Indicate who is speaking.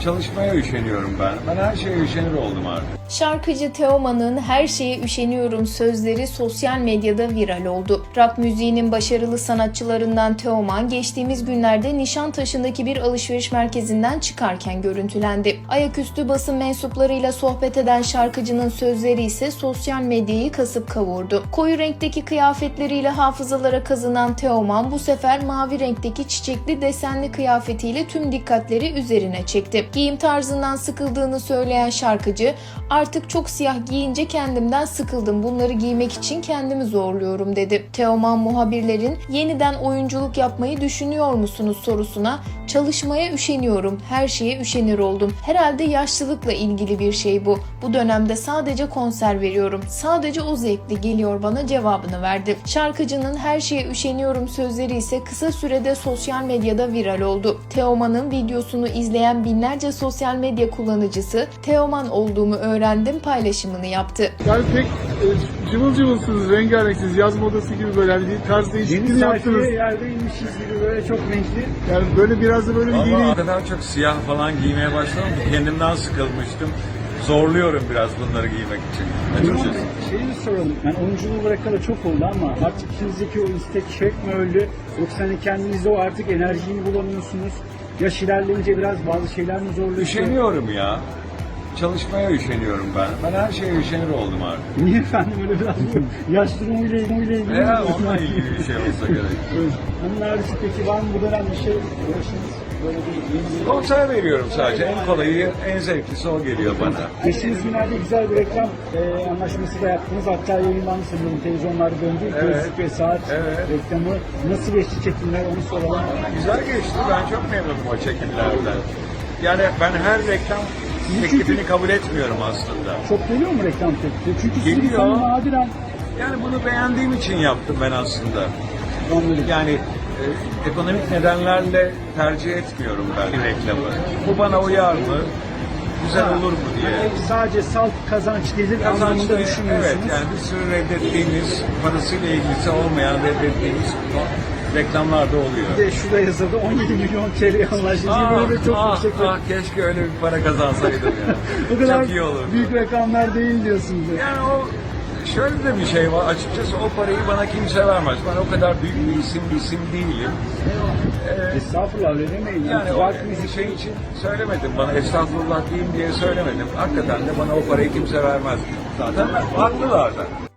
Speaker 1: Çalışmaya üşeniyorum ben. Ben her şeye üşenir oldum artık.
Speaker 2: Şarkıcı Teoman'ın "Her şeye üşeniyorum" sözleri sosyal medyada viral oldu. Rock müziğinin başarılı sanatçılarından Teoman geçtiğimiz günlerde Nişantaşı'ndaki bir alışveriş merkezinden çıkarken görüntülendi. Ayaküstü basın mensuplarıyla sohbet eden şarkıcının sözleri ise sosyal medyayı kasıp kavurdu. Koyu renkteki kıyafetleriyle hafızalara kazınan Teoman bu sefer mavi renkteki çiçekli desenli kıyafetiyle tüm dikkatleri üzerine çekti. Giyim tarzından sıkıldığını söyleyen şarkıcı, "Artık çok siyah giyince kendimden sıkıldım. Bunları giymek için kendimi zorluyorum" dedi. Teoman muhabirlerin "Yeniden oyunculuk yapmayı düşünüyor musunuz?" sorusuna "Çalışmaya üşeniyorum. Her şeye üşenir oldum. Herhalde yaşlılıkla ilgili bir şey bu. Bu dönemde sadece konser veriyorum. Sadece o zevkli geliyor bana" cevabını verdi. Şarkıcının "Her şeye üşeniyorum" sözleri ise kısa sürede sosyal medyada viral oldu. Teoman'ın videosunu izleyen binlerce sosyal medya kullanıcısı "Teoman olduğumu öğrendim" paylaşımını yaptı.
Speaker 3: Yani pek cıvıl cıvılsınız, rengarenksiniz, yaz modası gibi böyle hani bir tarz değişikliği
Speaker 4: Deniz
Speaker 3: yaptınız.
Speaker 4: sayfiye yerde inmişiz gibi böyle çok renkli.
Speaker 3: Yani böyle biraz da böyle bir
Speaker 1: Ama
Speaker 3: yeni...
Speaker 1: o kadar çok siyah falan giymeye başladım ki kendimden sıkılmıştım. Zorluyorum biraz bunları giymek için açıkçası.
Speaker 4: Şeyi bir soralım. Yani oyunculuğu bırakalı çok oldu ama artık içinizdeki o istek şevk mi öldü? Yoksa hani kendinizde o artık enerjiyi mi bulamıyorsunuz? Yaş ilerleyince biraz bazı şeyler mi zorlaşıyor?
Speaker 1: Üşeniyorum ya. Çalışmaya üşeniyorum ben. Ben her şeye üşenir oldum artık.
Speaker 4: Niye efendim öyle biraz yaş durumuyla ilgili?
Speaker 1: Veya onunla ilgili bir şey olsa gerek.
Speaker 4: Evet. Onun harici peki var mı bu dönem bir şey uğraşınız? Böyle bir yeni
Speaker 1: Konser veriyorum sadece. En kolayı, en zevklisi o geliyor bana.
Speaker 4: Geçtiğimiz günlerde güzel bir reklam anlaşması da yaptınız. Hatta yayınlandı sanırım, televizyonlarda döndü.
Speaker 1: Evet.
Speaker 4: Gözlük ve saat
Speaker 1: Evet.
Speaker 4: reklamı. Nasıl geçti çekimler onu soralım.
Speaker 1: Güzel geçti. Ben çok memnunum o çekimlerden. Yani ben her reklam teklifini kabul etmiyorum aslında.
Speaker 4: Çok geliyor mu reklam teklifi? Çünkü sizin
Speaker 1: Geliyor.
Speaker 4: insanı nadiren
Speaker 1: Yani bunu beğendiğim için yaptım ben aslında.
Speaker 4: anladım.
Speaker 1: Yani ekonomik nedenlerle tercih etmiyorum ben reklamı. Bu bana uyar mı? Güzel olur mu diye.
Speaker 4: Yani sadece salt kazanç gelir anlamında
Speaker 1: Kazançlı,
Speaker 4: düşünüyorsunuz.
Speaker 1: evet, yani bir sürü reddettiğimiz, parasıyla ilgisi olmayan reddettiğimiz reklamlar da oluyor.
Speaker 4: Bir de şurada yazıldı 17 milyon TL anlaşıldı. Böyle çok yüksek.
Speaker 1: Keşke öyle bir para kazansaydım ya.
Speaker 4: O kadar
Speaker 1: Çok iyi olurdu.
Speaker 4: büyük rakamlar değil diyorsunuz.
Speaker 1: Yani o şöyle de bir şey var. Açıkçası o parayı bana kimse vermez. Ben o kadar büyük bir isim değilim.
Speaker 4: Estağfurullah öyle demeyin.
Speaker 1: Yani o
Speaker 4: Rock müzik
Speaker 1: şey için söylemedim. Bana estağfurullah diyeyim diye söylemedim. Hakikaten de bana o parayı kimse vermez. Zaten haklılar da.